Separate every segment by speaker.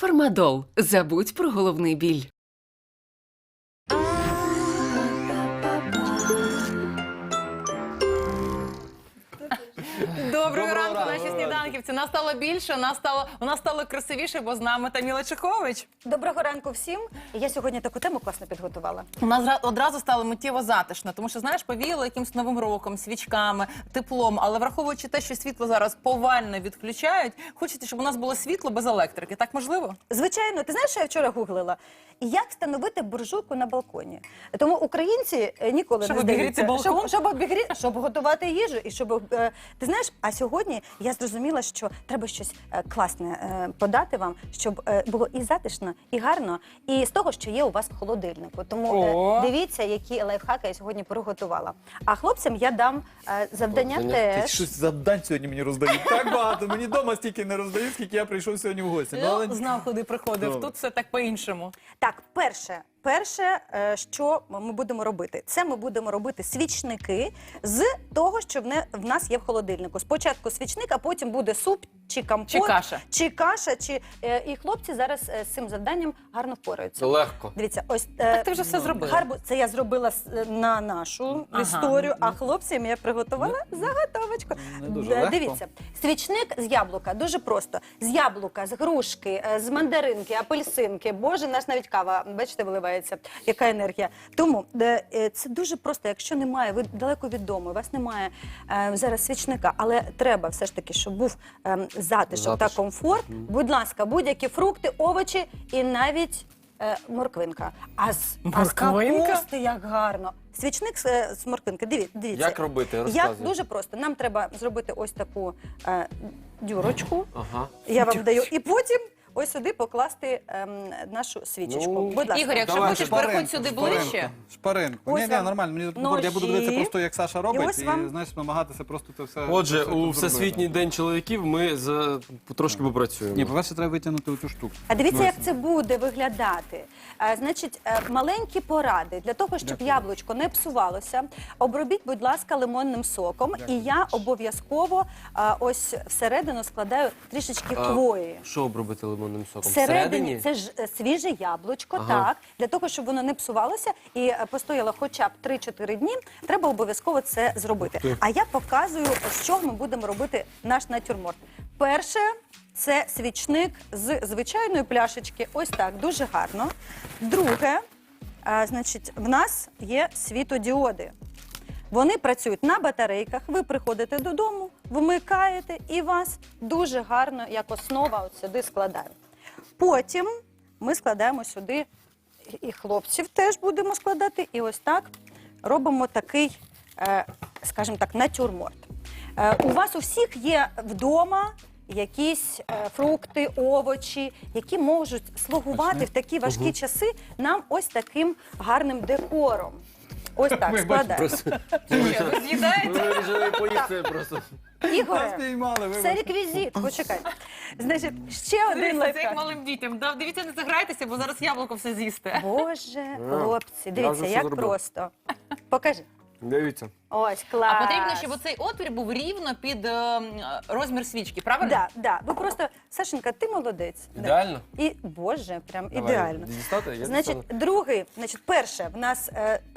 Speaker 1: Фармадол. Забудь про головний біль.
Speaker 2: Доброго ранку, наші сніданківці. Нас стало більше, у нас стало красивіше, бо з нами Таміла Чехович.
Speaker 3: Доброго ранку всім. Я сьогодні таку тему класно підготувала.
Speaker 2: У нас одразу стало миттєво затишно, тому що, знаєш, повіяло якимсь новим роком, свічками, теплом, але враховуючи те, що світло зараз повально відключають, хочеться, щоб у нас було світло без електрики. Так можливо?
Speaker 3: Звичайно, ти знаєш, що я вчора гуглила? Як встановити буржуйку на балконі? Тому українці ніколи
Speaker 2: Щоб
Speaker 3: не
Speaker 2: обігріти
Speaker 3: здаються.
Speaker 2: балкон?
Speaker 3: Щоб готувати їжу. І щоб, ти знаєш, а сьогодні я зрозуміла, що треба щось класне подати вам, щоб було і затишно, і гарно, і з того, що є у вас в холодильнику. Тому дивіться, які лайфхаки я сьогодні приготувала. А хлопцям я дам завдання теж.
Speaker 4: Щось завдань сьогодні мені роздають. Так багато. Мені вдома стільки не роздають, скільки я прийшов сьогодні в гості.
Speaker 2: Знав, куди приходив.
Speaker 4: Добре.
Speaker 2: Тут все так по-іншому.
Speaker 3: Так, перше, що ми будемо робити, це ми будемо робити свічники з того, що в нас є в холодильнику. Спочатку свічник, а потім буде суп, чи компот,
Speaker 2: Чи каша.
Speaker 3: І хлопці зараз з цим завданням гарно впораються.
Speaker 5: Це легко.
Speaker 3: Дивіться, ось
Speaker 2: Так ти вже все зробила.
Speaker 3: гарбуз, це я зробила на нашу історію, а хлопцям я приготувала заготовочку.
Speaker 4: Не дуже легко.
Speaker 3: Дивіться, свічник з яблука, дуже просто. З яблука, з грушки, з мандаринки, апельсинки. Боже, наш навіть кава, бачите, виливається. Яка енергія. Тому це дуже просто, якщо немає, ви далеко від дому, у вас немає зараз свічника, але треба все ж таки, щоб був затишок та комфорт. Будь ласка, будь-які фрукти, овочі і навіть морквинка. А з капусти як гарно. Свічник з морквинки. Дивіться.
Speaker 5: Як робити?
Speaker 3: Як
Speaker 5: Розказуй.
Speaker 3: дуже просто. Нам треба зробити ось таку дюрочку.
Speaker 5: Ага.
Speaker 3: Я вам даю. І потім ось сюди покласти нашу свічечку.
Speaker 5: Ну,
Speaker 3: Будь ласка.
Speaker 2: Ігор, якщо хочеш, переходь сюди ближче.
Speaker 4: Шпаринку.
Speaker 3: Ось
Speaker 4: Ні,
Speaker 3: вам
Speaker 4: нормально. Мені
Speaker 3: ножі.
Speaker 4: я буду дивитися просто, як Саша
Speaker 3: І
Speaker 4: робить,
Speaker 3: ось
Speaker 4: і,
Speaker 3: вам-
Speaker 4: знаєш, намагатися просто це все.
Speaker 5: Отже,
Speaker 4: це все
Speaker 5: у
Speaker 4: тут
Speaker 5: Всесвітній
Speaker 4: зробити.
Speaker 5: день чоловіків ми трошки попрацюємо.
Speaker 4: Ні, по-перше, треба витягнути цю штуку.
Speaker 3: А дивіться,
Speaker 4: Ну,
Speaker 3: як це буде виглядати. Значить, маленькі поради для того, щоб яблучко не псувалося. Обробіть, будь ласка, лимонним соком. І я обов'язково ось всередину складаю трішечки хвої.
Speaker 5: Що обробити лимонним соком?
Speaker 3: Всередині це ж свіже яблучко, так. Для того, щоб воно не псувалося і постояло хоча б 3-4 дні, треба обов'язково це зробити. А я показую, з чого ми будемо робити наш натюрморт. Перше, це свічник з звичайної пляшечки. Ось так, дуже гарно. Друге, значить, в нас є світодіоди. Вони працюють на батарейках, ви приходите додому, вмикаєте і вас дуже гарно, як основа, от сюди складають. Потім ми складаємо сюди, і хлопців теж будемо складати, і ось так робимо такий, скажімо так, натюрморт. У вас у всіх є вдома якісь фрукти, овочі, які можуть слугувати в такі важкі часи нам ось таким гарним декором. Ось так, складаємо.
Speaker 2: Що, ви з'їдаєте?
Speaker 5: Ми вирішили поїсти просто.
Speaker 3: Ігоре,
Speaker 4: Спіймали,
Speaker 3: це
Speaker 4: вибачте.
Speaker 3: реквізит, почекай. Значить, ще один
Speaker 2: Це як
Speaker 3: лайфхак.
Speaker 2: малим дітям. Дивіться, не заграйтеся, бо зараз яблуко все з'їсте.
Speaker 3: Боже, хлопці,
Speaker 5: я
Speaker 3: дивіться,
Speaker 5: вже все
Speaker 3: як
Speaker 5: зробив.
Speaker 3: просто. Покажи.
Speaker 5: Дивіться.
Speaker 3: Ось, клас.
Speaker 2: А потрібно, щоб оцей отвір був рівно під розмір свічки, правильно?
Speaker 3: Да, да. Ви просто, Сашенька, ти молодець. Да.
Speaker 5: Ідеально?
Speaker 3: І, Боже, прям
Speaker 5: Давай,
Speaker 3: ідеально.
Speaker 5: дістати? Я
Speaker 3: Значить,
Speaker 5: дістану.
Speaker 3: перше, в нас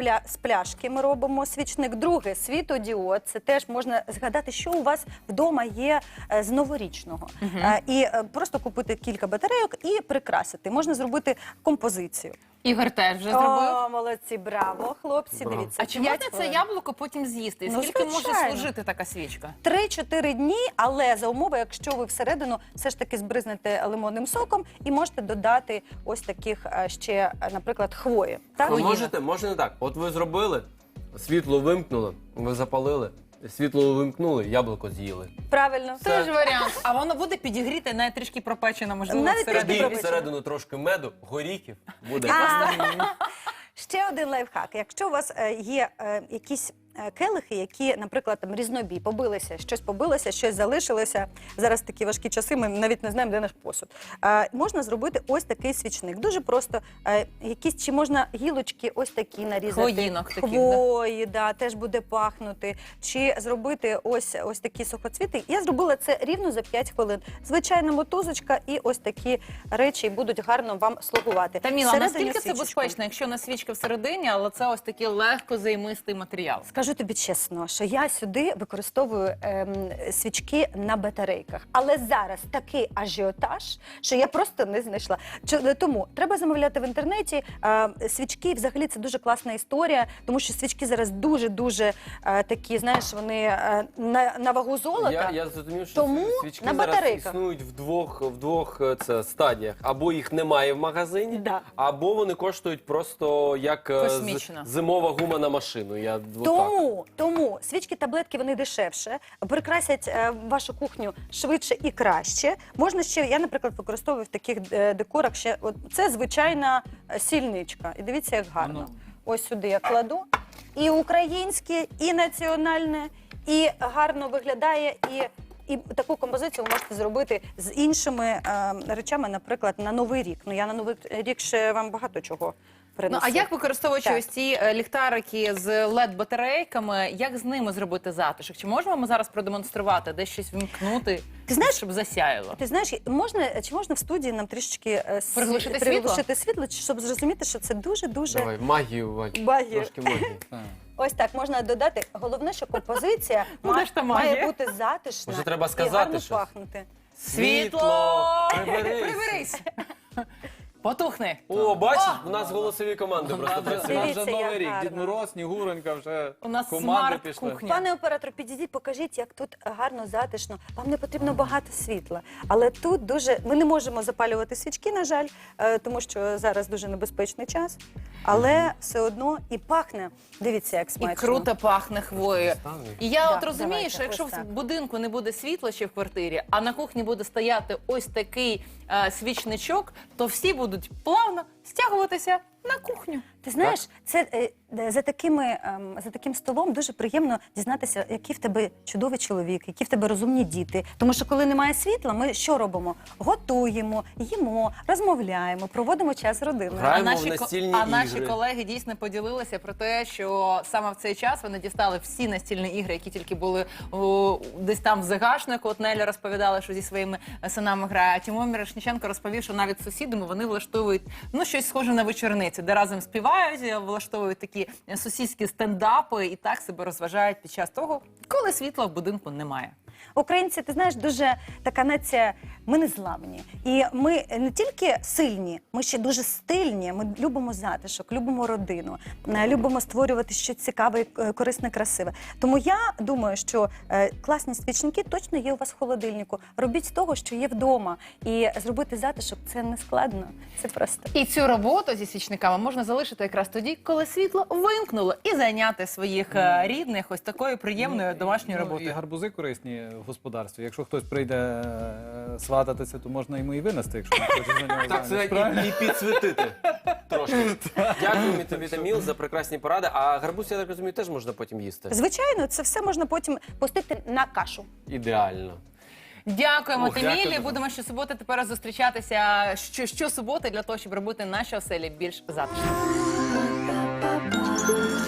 Speaker 3: з пляшки ми робимо свічник. Друге, світодіод. Це теж можна згадати, що у вас вдома є з новорічного. І просто купити кілька батарейок і прикрасити. Можна зробити композицію.
Speaker 2: Ігор теж вже зробив.
Speaker 3: О, молодці, браво, хлопці,
Speaker 5: Браво.
Speaker 2: А
Speaker 3: дивіться.
Speaker 2: чи
Speaker 3: 5
Speaker 2: можна це
Speaker 3: хвилин.
Speaker 2: яблуко потім з'їсти? І
Speaker 3: Ну,
Speaker 2: скільки може
Speaker 3: звичайно.
Speaker 2: служити така свічка?
Speaker 3: 3-4 дні, але за умови, якщо ви всередину все ж таки збризнете лимонним соком і можете додати ось таких ще, наприклад, хвої. Так?
Speaker 5: Ви можете, може не так. От ви зробили, світло вимкнули, ви запалили, світло вимкнули, яблуко з'їли.
Speaker 3: Правильно.
Speaker 2: Це ж варіант. А воно буде підігріте, навіть трішки пропечено, можливо,
Speaker 3: Навіть
Speaker 2: всередині.
Speaker 3: трішки
Speaker 5: І
Speaker 3: пропечено.
Speaker 5: всередину трошки меду, горіхів буде.
Speaker 3: Ще один лайфхак. Якщо у вас є якісь келихи, які, наприклад, там різнобій, побилися, щось залишилося. Зараз такі важкі часи, ми навіть не знаємо, де наш посуд. Можна зробити ось такий свічник. Дуже просто, чи можна гілочки ось такі нарізати.
Speaker 2: Хвоїнок таких,
Speaker 3: Хвої, да, теж буде пахнути. Чи зробити ось такі сухоцвіти. Я зробила це рівно за 5 хвилин. Звичайна мотузочка і ось такі речі будуть гарно вам слугувати.
Speaker 2: Таміла,
Speaker 3: Всередині
Speaker 2: наскільки це
Speaker 3: свічечку.
Speaker 2: безпечно, якщо на свічка всередині, але це ось такий легко займистий матеріал?
Speaker 3: Скажу тобі чесно, що я сюди використовую свічки на батарейках. Але зараз такий ажіотаж, що я просто не знайшла. Тому треба замовляти в інтернеті. Свічки, взагалі, це дуже класна історія, тому що свічки зараз дуже-дуже такі, знаєш, вони на вагу золота.
Speaker 5: Я зрозумів, що
Speaker 3: Тому
Speaker 5: свічки
Speaker 3: на
Speaker 5: зараз
Speaker 3: батарейках.
Speaker 5: існують в двох стадіях. Або їх немає в магазині,
Speaker 3: Да.
Speaker 5: або вони коштують просто як
Speaker 2: Космічно.
Speaker 5: зимова гума на машину. Я отак.
Speaker 3: Тому свічки-таблетки, вони дешевше, прикрасять вашу кухню швидше і краще. Можна ще, я, наприклад, використовую в таких декорах ще, це звичайна сільничка. І дивіться, як гарно. Ось сюди я кладу. І українське, і національне, і гарно виглядає, і таку композицію ви можете зробити з іншими речами, наприклад, на Новий рік. Ну, я на Новий рік ще вам багато чого принесу.
Speaker 2: Ну, а як використовуючи
Speaker 3: Так.
Speaker 2: ось ці ліхтарики з LED-батарейками, як з ними зробити затишок? Чи можемо ми зараз продемонструвати, десь щось вмкнути,
Speaker 3: Ти знаєш,
Speaker 2: щоб засяяло?
Speaker 3: Ти знаєш, чи можна в студії нам трішечки
Speaker 2: Приглушити
Speaker 3: світло, щоб зрозуміти, що це дуже-дуже
Speaker 5: Давай, магію, Вадь.
Speaker 3: Магію.
Speaker 5: Трошки магії.
Speaker 3: ось так можна додати. Головне, що композиція
Speaker 2: Куди ж та магія?
Speaker 3: має бути затишна
Speaker 5: Може, треба
Speaker 3: і
Speaker 5: сказати
Speaker 3: гарно
Speaker 5: щось?
Speaker 3: пахнути.
Speaker 2: Світло!
Speaker 5: Приберись!
Speaker 2: Приберись! Потухни!
Speaker 5: О, бачиш, у нас голосові команди просто
Speaker 4: Вже
Speaker 5: працюють.
Speaker 3: Дивіться,
Speaker 4: Новий
Speaker 3: як
Speaker 4: рік,
Speaker 3: гарно.
Speaker 4: Дід Мороз, Снігуронька, вже
Speaker 2: У нас
Speaker 4: команди пішли.
Speaker 2: смарт-кухня.
Speaker 3: Пане оператор, підійдіть, покажіть, як тут гарно, затишно. Вам не потрібно багато світла. Але тут дуже... Ми не можемо запалювати свічки, на жаль, тому що зараз дуже небезпечний час. Але все одно і пахне. Дивіться, як
Speaker 2: І
Speaker 3: смачно.
Speaker 2: круто пахне хвоєю.
Speaker 5: Ставлю.
Speaker 2: І я
Speaker 3: Да,
Speaker 2: от розумію,
Speaker 3: давайте,
Speaker 2: що якщо
Speaker 3: ось
Speaker 2: в
Speaker 3: так.
Speaker 2: будинку не буде світла ще в квартирі, а на кухні буде стояти ось такий свічничок, то всі будуть плавно стягуватися на кухню.
Speaker 3: Ти знаєш, це за таким столом дуже приємно дізнатися, який в тебе чудовий чоловік, які в тебе розумні діти. Тому що коли немає світла, ми що робимо? Готуємо, їмо, розмовляємо, проводимо час з родиною.
Speaker 5: Граємо в настільні
Speaker 2: наші
Speaker 5: ігри.
Speaker 2: колеги дійсно поділилися про те, що саме в цей час вони дістали всі настільні ігри, які тільки були десь там в загашнику. От Неля розповідала, що зі своїми синами грає. А Тимон Мірошниченко розповів, що навіть з сусідами вони влаштовують щось схоже на вечорниці, де разом співають, влаштовують такі сусідські стендапи і так себе розважають під час того, коли світла в будинку немає.
Speaker 3: Українці, ти знаєш, дуже така нація, ми незламні. І ми не тільки сильні, ми ще дуже стильні, ми любимо затишок, любимо родину, любимо створювати щось цікаве, корисне, красиве. Тому я думаю, що класні свічники точно є у вас в холодильнику. Робіть з того, що є вдома. І зробити затишок – це не складно, це просто.
Speaker 2: І цю роботу зі свічниками можна залишити якраз тоді, коли світло вимкнуло, і зайняти своїх рідних ось такою приємною домашньою
Speaker 4: І
Speaker 2: роботою.
Speaker 4: гарбузи корисні в господарстві. Якщо хтось прийде свататися, то можна йому і винести, якщо не хоче за нього
Speaker 5: Так,
Speaker 4: заміж.
Speaker 5: це
Speaker 4: Правильно?
Speaker 5: і підсвітити трошки. Дякую тобі, Таміл, за прекрасні поради. А гарбуз, я так розумію, теж можна потім їсти.
Speaker 3: Звичайно, це все можна потім пустити на кашу.
Speaker 5: Ідеально.
Speaker 2: Дякуємо,
Speaker 5: Ох, дякую
Speaker 2: Тамілі.
Speaker 5: дуже.
Speaker 2: Будемо щосуботи тепер зустрічатися щосуботи для того, щоб робити наші оселі більш затишними.